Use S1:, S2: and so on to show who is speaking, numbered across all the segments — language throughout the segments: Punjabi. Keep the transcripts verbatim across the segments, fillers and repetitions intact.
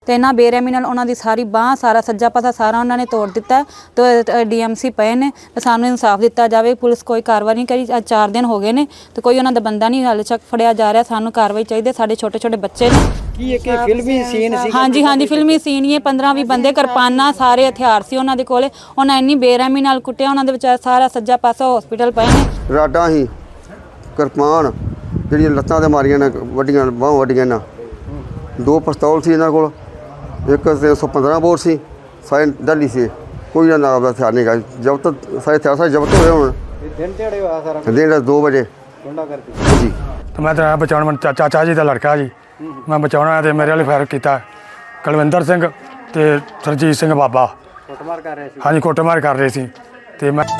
S1: ਤੇ ਇਹਨਾਂ ਬੇਰਹਿਮੀ ਨਾਲ ਉਹਨਾਂ ਦੀ ਸਾਰੀ ਬਾਂਹ ਸਾਰਾ ਸੱਜਾ ਪਾਸਾ ਸਾਰਾ ਉਹਨਾਂ ਨੇ ਤੋੜ ਦਿੱਤਾ। ਤੇ ਡੀਐਮਸੀ ਪਏ ਨੇ ਤੇ ਸਾਨੂੰ ਇਨਸਾਫ ਦਿੱਤਾ ਜਾਵੇ। ਪੁਲਿਸ ਕੋਈ ਕਾਰਵਾਈ ਨਹੀਂ ਕਰੀ। ਅੱਜ ਚਾਰ ਦਿਨ ਹੋ ਗਏ ਨੇ ਤੇ ਕੋਈ ਉਹਨਾਂ ਦਾ ਬੰਦਾ ਨਹੀਂ ਹਾਲੇ ਤੱਕ ਫੜਿਆ ਜਾ ਰਿਹਾ। ਸਾਨੂੰ ਕਾਰਵਾਈ ਚਾਹੀਦੀ। ਸਾਡੇ ਛੋਟੇ ਛੋਟੇ ਬੱਚੇ ਨੇ।
S2: ਕੀ ਇੱਕ ਫਿਲਮੀ ਸੀਨ ਸੀ?
S1: ਹਾਂਜੀ ਹਾਂਜੀ ਫਿਲਮੀ ਸੀਨ ਹੀ। ਪੰਦਰਾਂ ਵੀਹ ਬੰਦੇ ਕਿਰਪਾਨਾਂ ਸਾਰੇ ਹਥਿਆਰ ਸੀ ਉਹਨਾਂ ਦੇ ਕੋਲੇ। ਉਹਨਾਂ ਇੰਨੀ ਬੇਰਹਿਮੀ ਨਾਲ ਕੁੱਟਿਆ। ਉਹਨਾਂ ਦੇ ਵਿਚਾਰ ਸਾਰਾ ਸੱਜਾ ਪਾਸਾ ਹਸਪੀਟਲ ਪਏ ਨੇ।
S3: ਰਾਡਾਂ ਹੀ ਕਿਰਪਾਨ ਜਿਹੜੀਆਂ ਲੱਤਾਂ ਤੇ ਮਾਰੀਆਂ ਨੇ ਵੱਡੀਆਂ ਬਾਹਾਂ ਵੱਡੀਆਂ ਨਾ। ਦੋ ਪਿਸਤੌਲ ਸੀ ਇਹਨਾਂ ਕੋਲ। ਇੱਕ ਤਿੰਨ ਸੌ ਪੰਦਰਾਂ ਬੋਰ ਸੀ। ਸਾਰੇ ਡਲੀ ਸੀ। ਕੋਈ ਨਾ ਨਾਮ ਦਾ ਹਥਿਆਰ ਨਹੀਂ ਗਾ। ਜਬ ਤੱਕ ਸਾਰੇ ਹਥਿਆਰ ਸਾਰੇ ਜ਼ਬਤ ਹੋਏ ਹੁਣ।
S2: ਦਿਨ ਦਿਹਾੜੇ ਹੋਇਆ ਸਾਰਾ
S3: ਦਿਨ ਦੋ ਵਜੇ
S2: ਗੁੰਡਾ ਕਰਦੀ
S3: ਜੀ।
S4: ਤੇ ਮੈਂ ਤਾਂ ਬਚਾਉਣ ਮੈਂ ਚਾਚਾ ਚਾਚਾ ਜੀ ਦਾ ਲੜਕਾ ਜੀ। ਮੈਂ ਬਚਾਉਣਾ ਤੇ ਮੇਰੇ ਵਾਲੇ ਫਾਇਰ ਕੀਤਾ। ਕੁਲਵਿੰਦਰ ਸਿੰਘ ਤੇ ਸਰਜੀਤ ਸਿੰਘ ਬਾਬਾ
S2: ਕੁੱਟਮਾਰ ਕਰ ਰਹੇ ਸੀ।
S4: ਹਾਂਜੀ ਕੁੱਟਮਾਰ ਕਰ ਰਹੇ ਸੀ। ਤੇ ਮੈਂ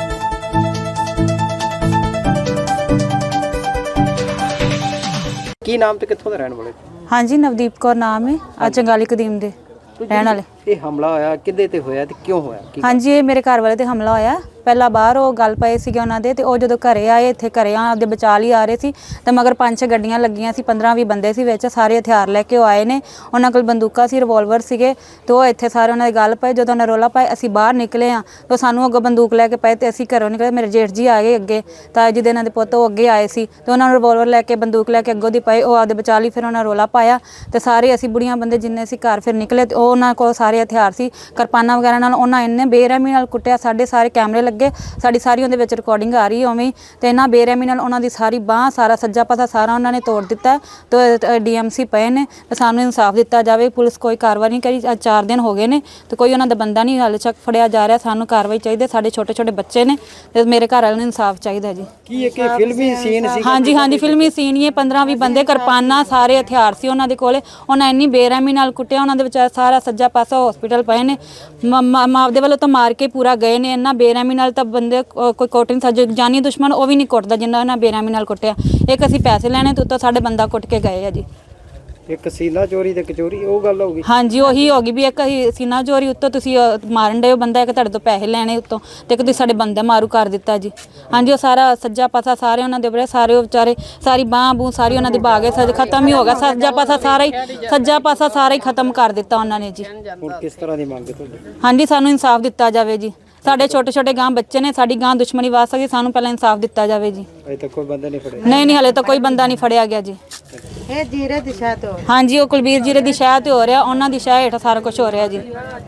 S2: ਕੀ ਨਾਮ ਤੇ ਕਿੱਥੋਂ ਦੇ ਰਹਿਣ ਵਾਲੇ?
S1: ਹਾਂਜੀ ਨਵਦੀਪ ਕੌਰ ਨਾਮ ਹੈ। ਆ ਚੰਗਾਲੀ ਕਦੀਮ ਦੇ ਰਹਿਣ ਵਾਲੇ।
S2: ਇਹ ਹਮਲਾ ਹੋਇਆ ਕਿੱਦੇ ਤੇ ਹੋਇਆ ਤੇ ਕਿਉਂ ਹੋਇਆ?
S1: ਹਾਂਜੀ ਇਹ ਮੇਰੇ ਘਰ ਵਾਲੇ ਤੇ ਹਮਲਾ ਹੋਇਆ। ਪਹਿਲਾਂ ਬਾਹਰ ਉਹ ਗੱਲ ਪਏ ਸੀਗੇ ਉਹਨਾਂ ਦੇ ਤੇ ਉਹ ਜਦੋਂ ਘਰੇ ਆਏ ਇੱਥੇ ਘਰੇ ਆਪਦੇ ਬਚਾ ਲਈ ਆ ਰਹੇ ਸੀ ਤੇ ਮਗਰ ਪੰਜ ਛੇ ਗੱਡੀਆਂ ਲੱਗੀਆਂ ਸੀ। ਪੰਦਰਾਂ ਵੀਹ ਬੰਦੇ ਸੀ ਵਿੱਚ। ਸਾਰੇ ਹਥਿਆਰ ਲੈ ਕੇ ਉਹ ਆਏ ਨੇ। ਉਹਨਾਂ ਕੋਲ ਬੰਦੂਕਾਂ ਸੀ ਰਿਵੋਲਵਰ ਸੀਗੇ ਤੇ ਉਹ ਇੱਥੇ ਸਾਰੇ ਉਹਨਾਂ ਦੀ ਗੱਲ ਪਏ। ਜਦੋਂ ਉਹਨਾਂ ਰੋਲਾ ਪਾਏ ਅਸੀਂ ਬਾਹਰ ਨਿਕਲੇ ਆ ਤਾਂ ਸਾਨੂੰ ਅੱਗੋਂ ਬੰਦੂਕ ਲੈ ਕੇ ਪਏ ਤੇ ਅਸੀਂ ਘਰੋਂ ਨਿਕਲੇ। ਮੇਰੇ ਜੇਠ ਜੀ ਆ ਗਏ ਅੱਗੇ ਤਾਂ ਜਿਹਦੇ ਇਹਨਾਂ ਦੇ ਪੁੱਤ ਉਹ ਅੱਗੇ ਆਏ ਸੀ ਤੇ ਉਹਨਾਂ ਨੂੰ ਰਿਵੋਲਵਰ ਲੈ ਕੇ ਬੰਦੂਕ ਲੈ ਕੇ ਅੱਗੋਂ ਦੀ ਪਏ। ਉਹ ਆਪਦੇ ਬਚਾ ਲਈ। ਫਿਰ ਉਹਨਾਂ ਰੋਲਾ ਪਾਇਆ ਤੇ ਸਾਰੇ ਅਸੀਂ ਬੁੜੀਆਂ ਬੰਦੇ ਜਿੰਨੇ ਸੀ ਘਰ ਫਿਰ ਨਿਕਲੇ ਤੇ ਉਹ ਉਹਨਾਂ ਕੋਲ ਸਾਰੇ ਹਥਿਆਰ ਸੀ ਕਿਰਪਾਨਾਂ ਵਗੈਰਾ ਨਾਲ। ਉਹਨਾਂ ਇੰਨੇ ਬੇਰਹਿਮੀ ਨਾਲ ਕੁੱਟਿਆ। ਸਾਡੇ ਸਾਰੇ ਕੈਮਰੇ ਲੱਗੇ। ਸਾਡੀ ਸਾਰੀ ਉਹਦੇ ਵਿੱਚ ਰਿਕਾਰਡਿੰਗ ਆ ਰਹੀ ਉਵੇਂ ਤੇ ਇਹਨਾਂ ਬੇਰਹਿਮੀ ਨਾਲ ਉਹਨਾਂ ਦੀ ਸਾਰੀ ਬਾਂਹ ਸਾਰਾ ਸੱਜਾ ਪਾਸਾ ਸਾਰਾ ਉਹਨਾਂ ਨੇ ਤੋੜ ਦਿੱਤਾ। ਤੇ ਡੀਐਮਸੀ ਪਏ ਨੇ ਤੇ ਸਾਨੂੰ ਇਨਸਾਫ ਦਿੱਤਾ ਜਾਵੇ। ਪੁਲਿਸ ਕੋਈ ਕਾਰਵਾਈ ਨਹੀਂ ਕਰੀ। ਅੱਜ ਚਾਰ ਦਿਨ ਹੋ ਗਏ ਨੇ ਤੇ ਕੋਈ ਉਹਨਾਂ ਦਾ ਬੰਦਾ ਨਹੀਂ ਹਾਲੇ ਤੱਕ ਫੜਿਆ ਜਾ ਰਿਹਾ। ਸਾਨੂੰ ਕਾਰਵਾਈ ਚਾਹੀਦੀ। ਸਾਡੇ ਛੋਟੇ ਛੋਟੇ ਬੱਚੇ ਨੇ ਤੇ ਮੇਰੇ ਘਰ ਵਾਲਿਆਂ ਨੂੰ ਇਨਸਾਫ ਚਾਹੀਦਾ ਜੀ।
S2: ਕੀ ਇੱਕ ਫਿਲਮੀ ਸੀਨ ਸੀ?
S1: ਹਾਂਜੀ ਹਾਂਜੀ ਫਿਲਮੀ ਸੀਨ ਹੀ। ਪੰਦਰਾਂ ਵੀਹ ਬੰਦੇ ਕਿਰਪਾਨਾਂ ਸਾਰੇ ਹਥਿਆਰ ਸੀ ਉਹਨਾਂ ਦੇ ਕੋਲੇ। ਉਹਨਾਂ ਇੰਨੀ ਬੇਰਹਿਮੀ ਨਾਲ ਕੁੱਟਿਆ। ਉਹਨਾਂ ਦੇ ਵਿਚਾਰ ਸਾਰਾ ਸੱਜਾ ਪਾਸਾ ਹਸਪੀਟਲ ਪਏ ਨੇ। ਮਾਪਦੇ ਵੱਲੋਂ ਤਾਂ ਮਾਰ ਕੇ ਪੂਰਾ ਗਏ ਨੇ। ਇੰਨਾ ਬੇਰਹਿਮੀ ਨਾਲ ਤਾਂ ਬੰਦੇ ਕੋਈ ਕੁੱਟ ਨਹੀਂ ਸਕਦਾ। ਜਾਨੀ ਦੁਸ਼ਮਣ ਉਹ ਵੀ ਨਹੀਂ ਕੁੱਟਦਾ ਜਿੰਨਾ ਉਹਨਾਂ ਬੇਰਹਿਮੀ ਨਾਲ ਕੁੱਟਿਆ। ਇੱਕ ਅਸੀਂ ਪੈਸੇ ਲੈਣੇ ਤੇ ਉੱਤੋਂ ਸਾਡੇ ਬੰਦਾ ਕੁੱਟ ਕੇ ਗਏ ਆ ਜੀ।
S2: ਇੱਕ ਸੀਨਾ ਚੋਰੀ ਤੇ ਕਚੋਰੀ ਉਹ ਗੱਲ ਹੋ ਗਈ।
S1: ਹਾਂਜੀ ਉਹੀ ਹੋ ਗਈ ਵੀ ਇੱਕ ਸੀਨਾ ਚੋਰੀ ਉੱਤੋਂ ਤੁਸੀਂ ਮਾਰਨ ਡਏ ਹੋ ਬੰਦਾ। ਇੱਕ ਤੁਹਾਡੇ ਤੋਂ ਪੈਸੇ ਲੈਣੇ ਉੱਤੋਂ ਤੇ ਇੱਕ ਤੁਸੀਂ ਸਾਡੇ ਬੰਦਾ ਮਾਰੂ ਕਰ ਦਿੱਤਾ ਜੀ। ਹਾਂਜੀ ਉਹ ਸਾਰਾ ਸੱਜਾ ਪਾਸਾ ਸਾਰੇ ਉਹਨਾਂ ਦੇ ਬੜੇ ਸਾਰੇ ਉਹ ਵਿਚਾਰੇ ਸਾਰੀ ਬਾਂਹ ਬੂਹ ਸਾਰੀ ਉਹਨਾਂ ਦੀ ਬਾਗੇ ਸੱਜ ਖਤਮ ਹੀ ਹੋ ਗਿਆ। ਸੱਜਾ ਪਾਸਾ ਸਾਰਾ ਹੀ ਸੱਜਾ ਪਾਸਾ ਸਾਰਾ ਹੀ ਖਤਮ ਕਰ ਦਿੱਤਾ ਉਹਨਾਂ ਨੇ ਜੀ।
S2: ਹੁਣ ਕਿਸ ਤਰ੍ਹਾਂ ਦੀ ਮੰਗ ਹੈ ਤੁਹਾਡੀ?
S1: ਹਾਂਜੀ ਸਾਨੂੰ ਇਨਸਾਫ ਦਿੱਤਾ ਜਾਵੇ ਜੀ। ਸਾਡੇ ਛੋਟੇ ਛੋਟੇ ਗਾਂ ਬੱਚੇ ਨੇ। ਸਾਡੀ ਗਾਂ ਦੁਸ਼ਮਣੀ ਵਾਸ ਸਕਦੀ। ਸਾਨੂੰ ਪਹਿਲਾਂ ਇਨਸਾਫ ਦਿੱਤਾ ਜਾਵੇ ਜੀ।
S2: ਅਜੇ ਤੱਕ ਕੋਈ ਬੰਦਾ ਨਹੀਂ ਫੜਿਆ?
S1: ਨਹੀਂ ਨਹੀਂ ਹਲੇ ਤਾਂ ਕੋਈ ਬੰਦਾ ਨਹੀਂ ਫੜਿਆ ਗਿਆ ਜੀ।
S5: ਇਹ ਜੀਰੇ ਦੀ ਸ਼ਾਹ ਤੋਂ
S1: ਹਾਂਜੀ ਉਹ ਕੁਲਬੀਰ ਜੀਰੇ ਦੀ ਸ਼ਾਹ ਤੇ ਹੋ ਰਿਹਾ। ਉਹਨਾਂ ਦੀ ਸ਼ਾਹ ਹੇਠ ਸਾਰਾ ਕੁਝ ਹੋ ਰਿਹਾ ਜੀ।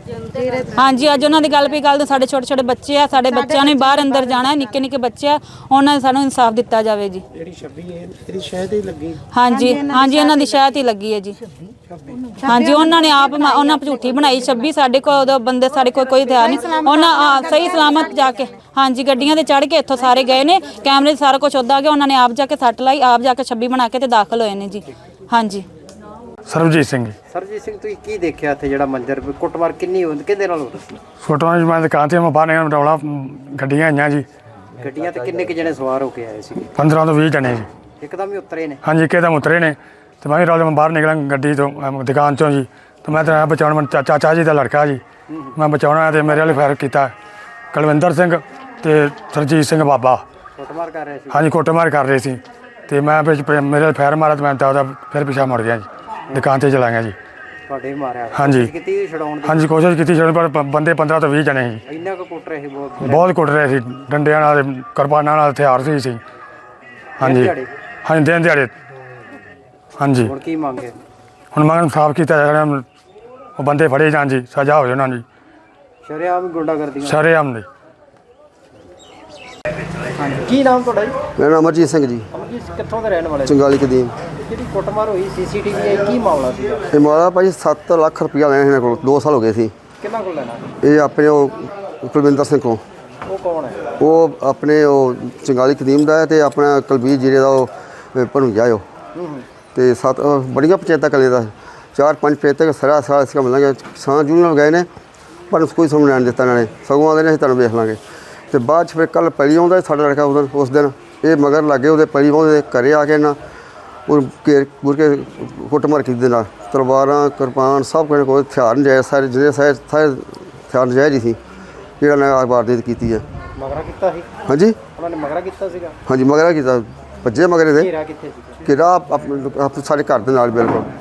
S1: ਹਾਂਜੀ ਅੱਜ ਉਹਨਾਂ ਦੀ ਗੱਲ ਪਈ ਗੱਲ ਤਾਂ ਸਾਡੇ ਛੋਟੇ ਛੋਟੇ ਬੱਚੇ ਆ। ਸਾਡੇ ਬੱਚਿਆਂ ਨੇ ਬਾਹਰ ਅੰਦਰ ਜਾਣਾ। ਨਿੱਕੇ ਨਿੱਕੇ ਬੱਚੇ ਆ। ਉਹਨਾਂ ਨੇ ਸਾਨੂੰ ਇਨਸਾਫ ਦਿੱਤਾ ਜਾਵੇ ਜੀ।
S2: ਜਿਹੜੀ ਛੱਬੀ ਹੈ ਇਹਦੀ ਸ਼ਾਇਦ ਹੀ ਲੱਗੀ।
S1: ਹਾਂਜੀ ਹਾਂਜੀ ਇਹਨਾਂ ਦੀ ਸ਼ਾਇਦ ਹੀ ਲੱਗੀ ਹੈ ਜੀ। ਹਾਂਜੀ ਉਹਨਾਂ ਨੇ ਆਪ ਉਹਨਾਂ ਝੂਠੀ ਬਣਾਈ ਛੱਬੀ। ਸਾਡੇ ਕੋਲ ਉਦੋਂ ਬੰਦੇ ਸਾਡੇ ਕੋਲ ਕੋਈ ਹਥਿਆਰ ਨਹੀਂ। ਉਹਨਾਂ ਸਹੀ ਸਲਾਮਤ ਜਾ ਕੇ ਹਾਂਜੀ ਗੱਡੀਆਂ ਤੇ ਚੜ੍ਹ ਕੇ ਇੱਥੋਂ ਸਾਰੇ ਗਏ ਨੇ। ਕੈਮਰੇ 'ਚ ਸਾਰਾ ਕੁਝ ਉੱਦਾਂ ਗਿਆ। ਉਹਨਾਂ ਨੇ ਆਪ ਜਾ ਕੇ ਸੱਟ ਲਾਈ। ਆਪ ਜਾ ਕੇ ਛੱਬੀ ਬਣਾ ਕੇ ਤੇ ਦਾਖਲ ਹੋਏ ਨੇ ਜੀ। ਹਾਂਜੀ
S4: ਸਰਬਜੀਤ ਸਿੰਘ ਜੀ।
S2: ਸਰਜੀਤ ਸਿੰਘ ਤੁਸੀਂ ਕੀ ਦੇਖਿਆ ਇੱਥੇ ਜਿਹੜਾ ਮੰਜ਼ਰ ਕੁੱਟਮਾਰ ਕਿੰਨੀ ਹੁੰਦੀ ਕਿਹਦੇ ਨਾਲ ਹੋ ਰਹੀ?
S4: ਫੋਟੋਆਂ 'ਚ ਮੈਂ ਦੁਕਾਨ 'ਤੇ ਮੈਂ ਬਾਹਰ ਨਿਕਲ ਰੌਲਾ ਗੱਡੀਆਂ ਆਈਆਂ ਜੀ।
S2: ਗੱਡੀਆਂ ਤੇ ਕਿੰਨੇ ਕੁ ਜਣੇ ਸਵਾਰ ਹੋ ਕੇ ਆਏ ਸੀ?
S4: ਪੰਦਰਾਂ ਤੋਂ ਵੀਹ ਜਣੇ ਜੀ।
S2: ਇੱਕਦਮ ਹੀ ਉਤਰੇ ਨੇ?
S4: ਹਾਂਜੀ ਇੱਕਦਮ ਉਤਰੇ ਨੇ ਤੇ ਮੈਂ ਵੀ ਰੌਲੇ ਮੈਂ ਬਾਹਰ ਨਿਕਲਾਂ ਗੱਡੀ ਤੋਂ ਅਮ ਦੁਕਾਨ 'ਚੋਂ ਜੀ। ਤੇ ਮੈਂ ਤਾਂ ਬਚਾਉਣ ਮੈਂ ਚਾਚਾ ਚਾਚਾ ਜੀ ਦਾ ਲੜਕਾ ਜੀ। ਮੈਂ ਬਚਾਉਣਾ ਤੇ ਮੇਰੇ ਵਾਲੇ ਫਾਇਰ ਕੀਤਾ। ਕੁਲਵਿੰਦਰ ਸਿੰਘ ਤੇ ਸਰਜੀਤ ਸਿੰਘ ਬਾਬਾ
S2: ਕੁੱਟਮਾਰ ਕਰ ਰਹੇ ਸੀ।
S4: ਹਾਂਜੀ ਕੁੱਟਮਾਰ ਕਰ ਰਹੇ ਸੀ ਤੇ ਮੈਂ ਵਿੱਚ ਮੇਰੇ ਫਾਇਰ ਮਾਰਿਆ ਤੇ ਮੈਂ ਤਾਂ ਉਹਦਾ ਫਿਰ ਪਿੱਛਾ ਮੁੜ ਗਿਆ ਜੀ। ਦੁਕਾਨ 'ਤੇ ਚਲਾ ਗਿਆ ਜੀ।
S2: ਤੁਹਾਡੇ ਵੀ ਮਾਰਿਆ?
S4: ਹਾਂਜੀ
S2: ਕੀਤੀ ਛਡਾਉਣ ਦੀ?
S4: ਹਾਂਜੀ ਕੋਸ਼ਿਸ਼ ਕੀਤੀ ਛਡਾਉਣ ਪਰ ਬੰਦੇ ਪੰਦਰਾਂ ਤੋਂ ਵੀਹ ਜਣੇ ਸੀ।
S2: ਇੰਨਾ ਕੁ ਕੁੱਟ ਰਹੇ ਸੀ? ਬਹੁਤ
S4: ਬਹੁਤ ਕੁੱਟ ਰਹੇ ਸੀ। ਡੰਡਿਆਂ ਨਾਲ ਕਿਰਪਾਨਾਂ ਨਾਲ ਹਥਿਆਰ ਸੀ ਸੀ ਹਾਂਜੀ ਹਾਂਜੀ ਦਿਨ ਦਿਹਾੜੇ। ਹਾਂਜੀ
S2: ਹੁਣ ਕੀ ਮੰਗੇ? ਹੁਣ
S4: ਹੁਣ ਮੈਂ ਸਾਫ਼ ਕੀਤਾ ਜਾਵੇ। ਉਹ ਬੰਦੇ ਫੜੇ ਜਾਣ ਜੀ। ਸਜ਼ਾ ਹੋਵੇ ਉਹਨਾਂ ਦੀ।
S2: ਸ਼ਰੇਆਮ ਗੁੰਡਾ ਕਰਦੀ?
S4: ਸ਼ਰੇਆਮ ਦੀ।
S2: ਕੀ ਨਾਮ ਤੁਹਾਡਾ ਜੀ?
S3: ਮੇਰਾ ਨਾਮ ਅਮਰਜੀਤ ਸਿੰਘ ਜੀ।
S2: ਅਮਰਜੀਤ ਕਿੱਥੋਂ ਦੇ ਰਹਿਣ ਵਾਲੇ?
S3: ਚੰਗਾਲੀ ਕਦੀਮ।
S2: ਜਿਹੜੀ ਕੁੱਟਮਾਰ ਹੋਈ ਸੀਸੀਟੀਵੀ ਆਈ ਕੀ ਮਾਮਲਾ ਸੀ?
S3: ਇਹ ਮਾਰਾ ਭਾਈ ਸੱਤ ਲੱਖ ਰੁਪਇਆ ਲੈਣਾ ਇਹਨਾਂ ਕੋਲ। ਦੋ ਸਾਲ ਹੋ ਗਏ ਸੀ।
S2: ਕਿਹਨਾਂ ਕੋਲ ਲੈਣਾ?
S3: ਇਹ ਆਪਣੇ ਉਹ ਕੁਲਵਿੰਦਰ ਸਿੰਘ ਕੋਲ।
S2: ਉਹ ਕੌਣ ਹੈ?
S3: ਉਹ ਆਪਣੇ ਉਹ ਚੰਗਾਲੀ ਕਦੀਮ ਦਾ ਹੈ ਤੇ ਆਪਣਾ ਕੁਲਬੀਰ ਜੀਰੇ ਦਾ ਉਹ ਭਣੂਜਾ ਉਹ। ਤੇ ਸੱਤ ਬੜੀਆਂ ਪੰਚਾਇਤਾਂ ਕਲੇ ਦਾ ਚਾਰ ਪੰਜ ਪੰਚਾਇਤਾਂ ਸਾਰਾ ਸਾਰਾ ਇਸ ਕੰਮ ਲਾਂਗੇ। ਕਿਸਾਨ ਯੂਨੀਅਨ ਗਏ ਨੇ ਪਰ ਕੋਈ ਸਮਝ ਨਹੀਂ ਦਿੱਤਾ ਇਹਨਾਂ ਨੇ। ਸਗੋਂ ਆਉਂਦੇ ਨੇ ਅਸੀਂ ਤੁਹਾਨੂੰ ਵੇਖ ਲਾਂਗੇ। ਤੇ ਬਾਅਦ 'ਚ ਫਿਰ ਕੱਲ੍ਹ ਪੈਲੀ ਆਉਂਦਾ ਸਾਡਾ ਲੜਕਾ ਉਸ ਉਸ ਦਿਨ ਇਹ ਮਗਰ ਲੱਗੇ ਉਹਦੇ ਪੈਲੀ ਆਉਂਦੇ ਘਰੇ ਆ ਕੇ ਨਾ ਉਹ ਘੇਰ ਘੂਰ ਕੇ ਕੁੱਟਮਾਰ ਕੀਤੀ ਦੇ ਨਾਲ। ਤਲਵਾਰਾਂ ਕਿਰਪਾਨ ਸਭ ਕੁਝ ਕੋਈ ਹਥਿਆਰ ਨਜਾਇਜ਼ ਸਾਰੇ ਜਿਹੜੇ ਸਾਰੇ ਸਾਰੇ ਹਥਿਆਰ ਨਜਾਇਜ਼ ਹੀ ਸੀ ਜਿਹੜਾ ਨੇ ਵਾਰਦਾਤ ਕੀਤੀ ਹੈ।
S2: ਮਗਰਾ ਕੀਤਾ ਸੀ?
S3: ਹਾਂਜੀ
S2: ਉਹਨਾਂ ਨੇ ਮਗਰਾ ਕੀਤਾ ਸੀਗਾ?
S3: ਹਾਂਜੀ ਮਗਰਾ ਕੀਤਾ। ਭੱਜੇ ਮਗਰੇ ਦੇ
S2: ਘੇਰਾ ਕਿੱਥੇ ਸੀ?
S3: ਕਿ ਰਾਹ ਆਪਣੇ ਸਾਡੇ ਘਰ ਦੇ ਨਾਲ ਬਿਲਕੁਲ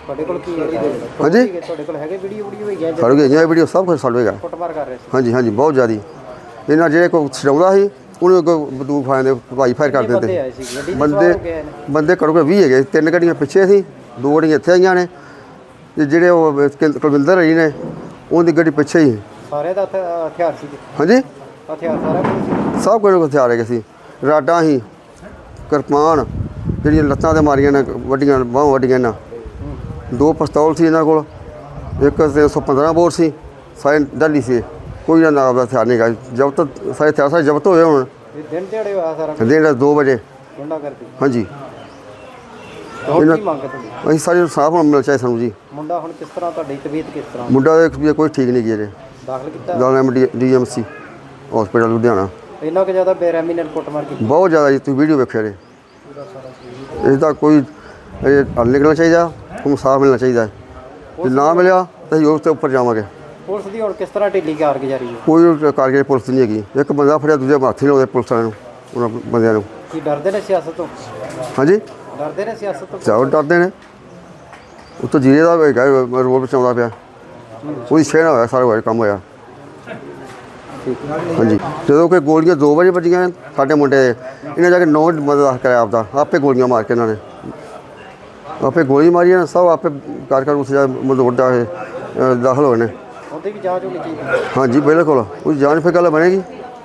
S2: ਤੁਹਾਡੇ ਕੋਲ ਕੀ ਹੈਗਾ
S3: ਹਾਂਜੀ
S2: ਤੁਹਾਡੇ ਕੋਲ ਹੈਗੇ ਵੀਡੀਓ ਵੀਡੀਓ ਹੈਗੀਆਂ
S3: ਸਾਡੇ ਕੋਲ ਇਹ ਵੀਡੀਓ ਸਭ ਕੁਝ ਸਾਡੇ ਹੈਗਾ।
S2: ਕੁੱਟਮਾਰ ਕਰ ਰਹੇ ਸੀ
S3: ਹਾਂਜੀ ਹਾਂਜੀ ਬਹੁਤ ਜ਼ਿਆਦੀ। ਇਹਨਾਂ ਜਿਹੜੇ ਕੋਈ ਛਡਾਉਂਦਾ ਸੀ ਉਹਨੂੰ ਅੱਗੋਂ ਬੰਦੂਕ ਫਾਇਰ ਦੇ ਭਾਈ ਫਾਇਰ ਕਰ ਦਿੰਦੇ
S2: ਬੰਦੇ ਆਏ ਸੀ ਗੱਡੀ ਦੇ
S3: ਬੰਦੇ
S2: ਸਵਾਰ ਹੋ ਗਏ ਨੇ
S3: ਬੰਦੇ ਘੱਟੋ ਘੱਟ ਵੀਹ ਹੈਗੇ। ਤਿੰਨ ਗੱਡੀਆਂ ਪਿੱਛੇ ਸੀ, ਦੋ ਗੱਡੀਆਂ ਇੱਥੇ ਆਈਆਂ ਨੇ ਤੇ ਜਿਹੜੇ ਉਹ ਕੁਲ- ਕੁਲਵਿੰਦਰ ਜੀ ਨੇ ਉਹਦੀ ਗੱਡੀ ਪਿੱਛੇ ਹੀ।
S2: ਸਾਰੇ ਦਾ ਹਥਿ- ਹਥਿਆਰ ਸੀ
S3: ਹਾਂਜੀ
S2: ਹਥਿਆਰ ਸਾਰਾ ਕੁਝ ਸੀ
S3: ਸਭ ਕੁਝ ਹਥਿਆਰ ਹੈਗੇ ਸੀ। ਰਾਡਾਂ ਸੀ, ਕਿਰਪਾਨ ਜਿਹੜੀਆਂ ਲੱਤਾਂ ਤੇ ਮਾਰੀਆਂ ਨੇ ਵੱਡੀਆਂ ਬਾਹਾਂ ਵੱਡੀਆਂ ਇਹਨਾਂ, ਦੋ ਪਿਸਤੌਲ ਸੀ ਇਹਨਾਂ ਕੋਲ, ਇੱਕ ਤਿੰਨ ਸੌ ਪੰਦਰਾਂ ਬੋਰ ਸੀ, ਸਾਰੇ ਡਾਲੀ ਸੀ। ਕੋਈ ਨਾ ਨਾਮ ਦਾ ਹਥਿਆਰ ਨਹੀਂ ਗਾ। ਜ਼ਬਤ ਸਾਰੇ ਹਥਿਆਰ ਸਾਰੇ ਜ਼ਬਤ ਹੋਏ ਹੁਣ
S2: ਇਹ ਦਿਨ ਦਿਹਾੜੇ ਹੋਇਆ ਸਾਰਾ ਕੁਝ
S3: ਦਿਨ ਦੋ ਵਜੇ।
S2: ਗੁੰਡਾ ਕਰਦੀ
S3: ਹਾਂਜੀ
S2: ਹੋਰ ਕੀ ਮੰਗ ਹੈ ਤੁਹਾਡੀ?
S3: ਅਸੀਂ ਸਾਰੇ ਇਨਸਾਫ ਹੁਣ ਮਿਲਣਾ ਚਾਹੀਦਾ ਸਾਨੂੰ ਜੀ।
S2: ਮੁੰਡਾ ਹੁਣ ਕਿਸ ਤਰ੍ਹਾਂ ਤੁਹਾਡੀ ਤਬੀਅਤ ਕਿਸ ਤਰ੍ਹਾਂ
S3: ਮੁੰਡਾ ਦੇ ਵੀ ਕੋਈ ਠੀਕ ਨਹੀਂ ਗਿਆ ਜੇ
S2: ਦਾਖਲ ਕੀਤਾ
S3: ਦਾਣਾ M D M C hospital Ludhiana.
S2: ਇੰਨਾ ਕੁ ਜ਼ਿਆਦਾ ਬੇਰਹਿਮੀ ਨਾਲ ਕੁੱਟਮਾਰ ਕੀਤੀ
S3: ਬਹੁਤ ਜ਼ਿਆਦਾ ਜੀ, ਤੁਸੀਂ ਵੀਡੀਓ ਵੇਖਿਆ ਜੇ। ਇਸ ਦਾ ਕੋਈ ਇਹ ਹੱਲ ਨਿਕਲਣਾ ਚਾਹੀਦਾ, ਉਹਨੂੰ ਇਨਸਾਫ ਮਿਲਣਾ ਚਾਹੀਦਾ। ਜੇ ਨਾ ਮਿਲਿਆ ਤਾਂ ਅਸੀਂ ਉਸ ਤੋਂ ਉੱਪਰ ਜਾਵਾਂਗੇ।
S2: ਪੁਲਿਸ ਦੀ ਹੁਣ ਕਿਸ ਤਰ੍ਹਾਂ ਢਿੱਲੀ ਕਾਰਗੁਜ਼ਾਰੀ ਹੈ?
S3: ਕੋਈ ਕਾਰਗਰ ਪੁਲਿਸ ਨਹੀਂ ਹੈਗੀ। ਇੱਕ ਬੰਦਾ ਫੜਿਆ, ਦੂਜੇ ਹੱਥ ਨਹੀਂ ਲਾਉਂਦੇ ਪੁਲਿਸ ਵਾਲਿਆਂ ਨੂੰ, ਉਹਨਾਂ ਬੰਦਿਆਂ ਨੂੰ।
S2: ਕੀ ਡਰਦੇ ਨੇ ਸਿਆਸਤ ਤੋਂ?
S3: ਹਾਂਜੀ
S2: ਡਰਦੇ ਨੇ ਸਿਆਸਤ ਤੋਂ?
S3: ਚਾਹੋ ਡਰਦੇ ਨੇ। ਉੱਤੋਂ ਜੀਰੇ ਦਾ ਹੈਗਾ ਰੋਡ ਵਿੱਚ ਆਉਂਦਾ ਪਿਆ, ਉਹਦੀ ਸ਼ਹਿ ਨਾਲ ਹੋਇਆ ਸਾਰਾ ਹੋਇਆ ਕੰਮ ਹੋਇਆ। ਹਾਂਜੀ ਜਦੋਂ ਕਿ ਗੋਲੀਆਂ ਦੋ ਵਜੇ ਵੱਜੀਆਂ ਸਾਡੇ ਮੁੰਡੇ ਦੇ, ਇਹਨਾਂ ਜਾ ਕੇ ਨੌ ਮਦਦ ਕਰਿਆ ਆਪਦਾ, ਆਪੇ ਗੋਲੀਆਂ ਮਾਰ ਕੇ ਇਹਨਾਂ ਨੇ ਆਪੇ ਗੋਲੀ ਮਾਰੀ ਇਹਨਾਂ ਸਭ ਆਪੇ ਕਰ ਕਰ ਉਸ ਜਾ ਮਦੋੜਾ ਇਹ ਦਾਖਲ ਹੋਏ ਨੇ।
S2: ਉਹਦੀ ਵੀ ਜਾਂਚ ਹੋਣੀ ਚਾਹੀਦੀ ਹੈ।
S3: ਹਾਂਜੀ ਬਿਲਕੁਲ ਉਹਦੀ ਜਾਨ ਫਿਰ ਗੱਲ ਬਣੇਗੀ।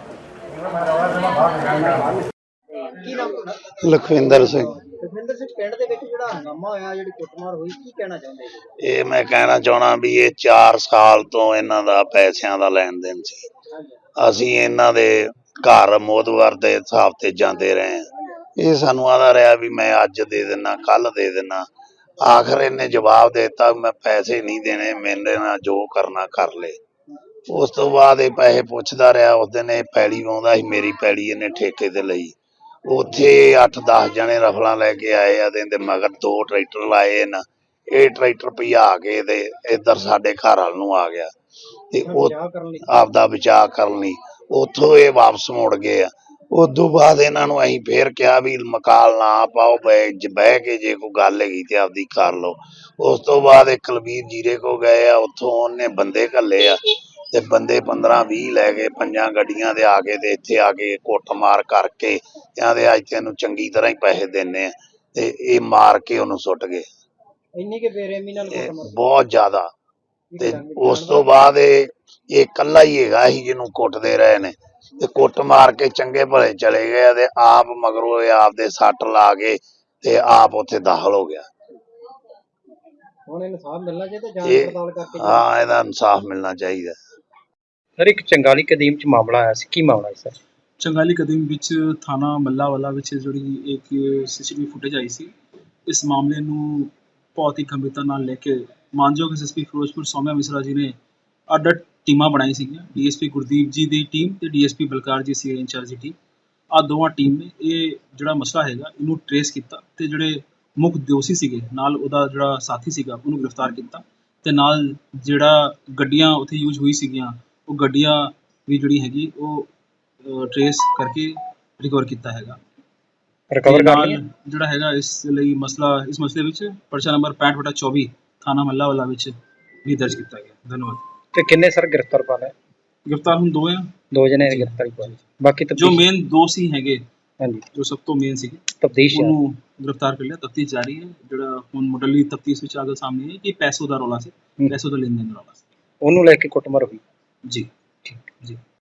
S6: ਲਖਵਿੰਦਰ ਸਿੰਘ।
S2: ਲਖਵਿੰਦਰ ਸਿੰਘ ਪਿੰਡ ਦੇ ਵਿੱਚ ਜਿਹੜਾ ਹੰਗਾਮਾ ਹੋਇਆ, ਜਿਹੜੀ ਕੁੱਟਮਾਰ ਹੋਈ, ਕੀ ਕਹਿਣਾ ਚਾਹੁੰਦੇ ਜੀ?
S6: ਇਹ ਮੈਂ ਕਹਿਣਾ ਚਾਹਣਾ ਵੀ ਇਹ ਚਾਰ ਸਾਲ ਤੋਂ ਇਹਨਾਂ ਦਾ ਪੈਸਿਆਂ ਦਾ ਲੈਣ ਦੇਣ ਸੀ। ਅਸੀਂ ਇਹਨਾਂ ਦੇ ਘਰ ਮੋਦਵਾਰ ਦੇ ਹਿਸਾਬ ਤੇ ਜਾਂਦੇ ਰਹੇ ਹਾਂ। ਇਹ ਸਾਨੂੰ ਆਦਾ ਰਿਹਾ ਵੀ ਮੈਂ ਅੱਜ ਦੇ ਦਿਨਾ ਕੱਲ ਦੇ ਦਿਨਾ। ਆਖਰ ਇਹਨੇ ਜਵਾਬ ਦੇ ਦਿੱਤਾ ਮੈਂ ਪੈਸੇ ਨਹੀਂ ਦੇਣੇ, ਮੇਰੇ ਨਾਲ ਜੋ ਕਰਨਾ ਕਰ ਲੈ। ਉਸ ਤੋਂ ਬਾਅਦ ਇਹ ਪੈਸੇ ਪੁੱਛਦਾ ਰਿਹਾ। ਉਸ ਦਿਨ ਇਹ ਪੈਲੀ ਵਾਉਂਦਾ ਸੀ, ਮੇਰੀ ਪੈਲੀ ਇਹਨੇ ਠੇਕੇ ਤੇ ਲਈ। ਉੱਥੇ ਅੱਠ ਦਸ ਜਣੇ ਰਫਲਾਂ ਲੈ ਕੇ ਆਏ ਆ ਤੇ ਇਹਦੇ ਮਗਰ ਦੋ ਟਰੈਕਟਰ ਲਾਏ ਨਾ। ਇਹ ਟਰੈਕਟਰ ਭਜਾ ਕੇ ਤੇ ਇੱਧਰ ਸਾਡੇ ਘਰ ਵੱਲ ਨੂੰ ਆ ਗਿਆ ਤੇ ਉਹ ਆਪਦਾ ਬਚਾਅ ਕਰਨ ਲਈ ਉੱਥੋਂ ਇਹ ਵਾਪਸ ਮੁੜ ਗਏ ਆ। ਉਦੋਂ ਬਾਅਦ ਇਹਨਾਂ ਨੂੰ ਅਸੀਂ ਫੇਰ ਕਿਹਾ ਵੀ ਮਕਾਲ ਨਾ ਪਾਓ, ਬਹਿ ਬਹਿ ਕੇ ਜੇ ਕੋਈ ਗੱਲ ਹੈਗੀ ਤੇ ਆਪਦੀ ਕਰ ਲਓ। ਉਸ ਤੋਂ ਬਾਅਦ ਇਹ ਕੁਲਬੀਰ ਜੀਰੇ ਕੋ ਗਏ ਆ, ਉੱਥੋਂ ਉਹਨੇ ਬੰਦੇ ਘੱਲੇ ਆ ਤੇ ਬੰਦੇ ਪੰਦਰਾਂ ਵੀਹ ਲੈ ਕੇ ਪੰਜਾਂ ਗੱਡੀਆਂ ਦੇ ਆ ਕੇ ਤੇ ਇੱਥੇ ਆ ਕੇ ਕੁੱਟਮਾਰ ਕਰਕੇ ਕਹਿੰਦੇ ਅੱਜ ਤੈਨੂੰ ਚੰਗੀ ਤਰ੍ਹਾਂ ਹੀ ਪੈਸੇ ਦਿੰਨੇ ਆ ਤੇ ਇਹ ਮਾਰ ਕੇ ਉਹਨੂੰ ਸੁੱਟ ਗਏ।
S2: ਇੰਨੀ ਕਿ ਬੇਰਹਿਮੀ ਨਾਲ
S6: ਇਹ
S2: ਕੁੱਟਮਾਰ
S6: ਬਹੁਤ ਜ਼ਿਆਦਾ। ਤੇ ਉਸ ਤੋਂ ਬਾਅਦ ਇਹ ਇਹ ਇਕੱਲਾ ਹੀ ਹੈਗਾ ਸੀ ਜਿਹਨੂੰ ਕੁੱਟਦੇ ਰਹੇ ਨੇ ਤੇ ਕੁੱਟ ਮਾਰ ਕੇ ਚੰਗੇ ਭਲੇ ਚਲੇ ਗਏ ਤੇ ਆਪ ਮਗਰੋਂ ਇਹ ਆਪਦੇ ਸੱਟ ਲਾ ਕੇ ਤੇ ਆਪ ਉੱਥੇ ਦਾਖਲ ਹੋ ਗਿਆ।
S2: ਹੁਣ ਇਨਸਾਫ ਮਿਲਣਾ ਚਾਹੀਦਾ, ਜਾਂਚ
S6: ਇਹ
S2: ਪੜਤਾਲ ਕਰਕੇ।
S6: ਹਾਂ ਇਹਦਾ ਇਨਸਾਫ ਮਿਲਣਾ ਚਾਹੀਦਾ।
S2: ਸਰ ਇੱਕ ਚੰਗਾਲੀ ਕਦੀਮ ਚ ਮਾਮਲਾ ਆਇਆ ਸੀ, ਕੀ ਮਾਮਲਾ ਹੈ ਸਰ?
S7: ਚੰਗਾਲੀ ਕਦੀਮ ਵਿੱਚ ਥਾਣਾ ਮੱਲਾਵਾਲਾ ਵਿੱਚ ਜਿਹੜੀ ਇੱਕ ਸੀਸੀਟੀਵੀ ਫੁਟੇਜ ਆਈ ਸੀ, ਇਸ ਮਾਮਲੇ ਨੂੰ ਬਹੁਤ ਹੀ ਗੰਭੀਰਤਾ ਨਾਲ ਲੈ ਕੇ ਮਾਨਯੋਗ S S P Firozpur Saumya Mishra ji ਨੇ ਅੱਡ ਅੱਡ ਟੀਮਾਂ ਬਣਾਈ ਸੀਗੀਆਂ। D S P Gurdeep ji ਦੀ ਟੀਮ ਤੇ D S P Balkar ji ਸੀ ਇੰਚਾਰਜ ਦੀ ਟੀਮ। ਆਹ ਦੋਵਾਂ ਟੀਮ ਨੇ ਇਹ ਜਿਹੜਾ ਮਸਲਾ ਹੈਗਾ ਇਹਨੂੰ ਟਰੇਸ ਕੀਤਾ ਤੇ ਜਿਹੜੇ ਮੁੱਖ ਦੋਸ਼ੀ ਸੀਗੇ ਨਾਲ ਉਹਦਾ ਜਿਹੜਾ ਸਾਥੀ ਸੀਗਾ ਉਹਨੂੰ ਗ੍ਰਿਫਤਾਰ ਕੀਤਾ ਤੇ ਨਾਲ ਜਿਹੜਾ ਗੱਡੀਆਂ ਉੱਥੇ ਯੂਜ਼ ਹੋਈ ਸੀਗੀਆਂ ਉਹ ਗੱਡੀਆਂ ਵੀ ਜਿਹੜੀ ਹੈਗੀ ਉਹ ਟਰੇਸ ਕਰਕੇ ਰਿਕਵਰ ਕੀਤਾ ਹੈਗਾ।
S2: ਰਿਕਵਰ ਕਰ ਲਿਆ
S7: ਜਿਹੜਾ ਹੈਗਾ ਇਸ ਲਈ ਮਸਲਾ ਇਸ ਮਸਲੇ ਵਿੱਚ ਪਰਚਾ ਨੰਬਰ ਪੈਂਹਠ ਬਟਾ ਚੌਵੀ ਥਾਣਾ ਮੱਲਾਵਾਲਾ ਵਿੱਚ ਵੀ ਦਰਜ ਕੀਤਾ ਗਿਆ। ਧੰਨਵਾਦ।
S2: ਤੇ ਕਿੰਨੇ ਸਰ ਗ੍ਰਿਫਤਾਰ ਪਾ ਲਏ?
S7: ਗ੍ਰਿਫਤਾਰ ਹੁਣ ਦੋ ਆ,
S2: ਦੋ ਜਣੇ ਗ੍ਰਿਫਤਾਰੀ ਪਾ ਲਈ, ਬਾਕੀ
S7: ਜੋ ਮੇਨ ਦੋ ਸੀ ਹੈਗੇ
S2: ਹਾਂਜੀ
S7: ਜੋ ਸਭ ਤੋਂ ਮੇਨ ਸੀਗੇ
S2: ਤਫਤੀਸ਼
S7: ਉਹਨੂੰ ਗ੍ਰਿਫਤਾਰ ਕਰ ਲਿਆ। ਤਫਤੀਸ਼ ਜਾਰੀ ਹੈ। ਜਿਹੜਾ ਹੁਣ ਮੁੱਢਲੀ ਤਫਤੀਸ਼ ਵਿੱਚ ਆ ਕੇ ਸਾਹਮਣੇ ਹੈ ਕਿ ਪੈਸੋ ਦਾ ਰੌਲਾ ਸੀ, ਪੈਸੋ ਦਾ ਲੈਣ ਦੇਣ ਦਾ ਰੌਲਾ ਸੀ,
S2: ਉਹਨੂੰ ਲੈ ਕੇ ਕੁੱਟਮਾਰ ਹੋਈ।
S7: ਜੀ ਠੀਕ ਜੀ।